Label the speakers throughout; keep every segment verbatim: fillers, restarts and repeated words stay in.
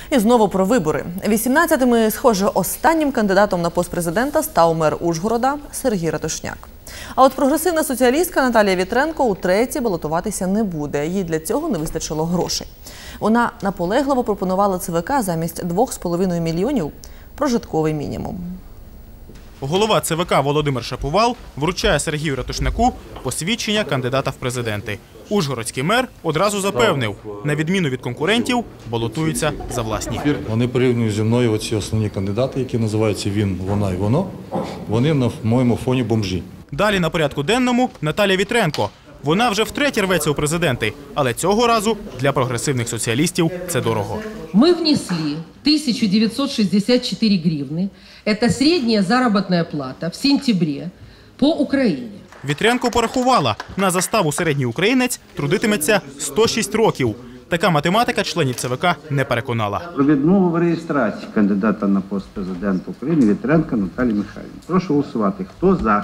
Speaker 1: І знову про вибори. вісімнадцятим і, схоже, останнім кандидатом на пост президента став мер Ужгорода Сергій Ратушняк. А от прогресивна соціалістка Наталія Вітренко утретє балотуватися не буде. Їй для цього не вистачило грошей. Вона наполегливо пропонувала ЦВК замість двох з половиною мільйонів прожитковий мінімум.
Speaker 2: Голова ЦВК Володимир Шаповал вручає Сергію Ратушняку посвідчення кандидата в президенти. Ужгородський мер одразу запевнив, на відміну від конкурентів, балотуються за власні.
Speaker 3: Вони порівнюють зі мною оці основні кандидати, які називаються «він», «вона» і «воно». Вони на моєму фоні бомжі.
Speaker 2: Далі на порядку денному Наталія Вітренко. Вона вже втретє рветься у президенти, але цього разу для прогресивних соціалістів це дорого.
Speaker 4: Ми внесли тисячу дев'ятсот шістдесят чотири гривни. Це середня заробітна плата в сентябрі по Україні.
Speaker 2: Вітренко порахувала, на заставу середній українець трудитиметься сто шість років. Така математика членів ЦВК не переконала.
Speaker 5: Про відмову в реєстрації кандидата на пост президента України Вітренко Наталії Михайлівни. Прошу голосувати. Хто за?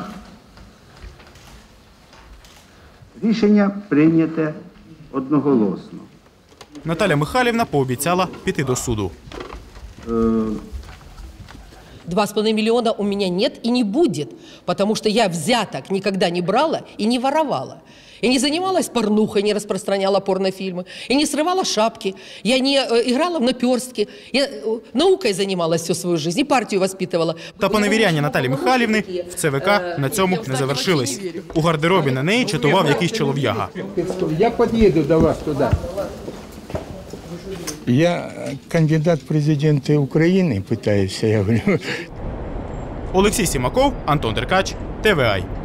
Speaker 5: Рішення прийняте одноголосно.
Speaker 2: Наталя Михайлівна пообіцяла піти до суду.
Speaker 4: Два с половиной миллиона у меня нет и не будет, потому что я взяток никогда не брала и не воровала. Я не занималась порнухой, не распространяла порнофильмы, я не срывала шапки, я не э, играла в наперстки, я э, наукой занималась всю свою жизнь и партию воспитывала.
Speaker 2: Та поневіряння Наталі Михайлівни в ЦВК на цьому не завершились. У гардеробі на неї чатував якийсь чолов'яга.
Speaker 6: Я під'їду до вас туди. Я кандидат в президенти України, питаюся, я говорю.
Speaker 2: Олексій Сімаков, Антон Деркач, Т В А.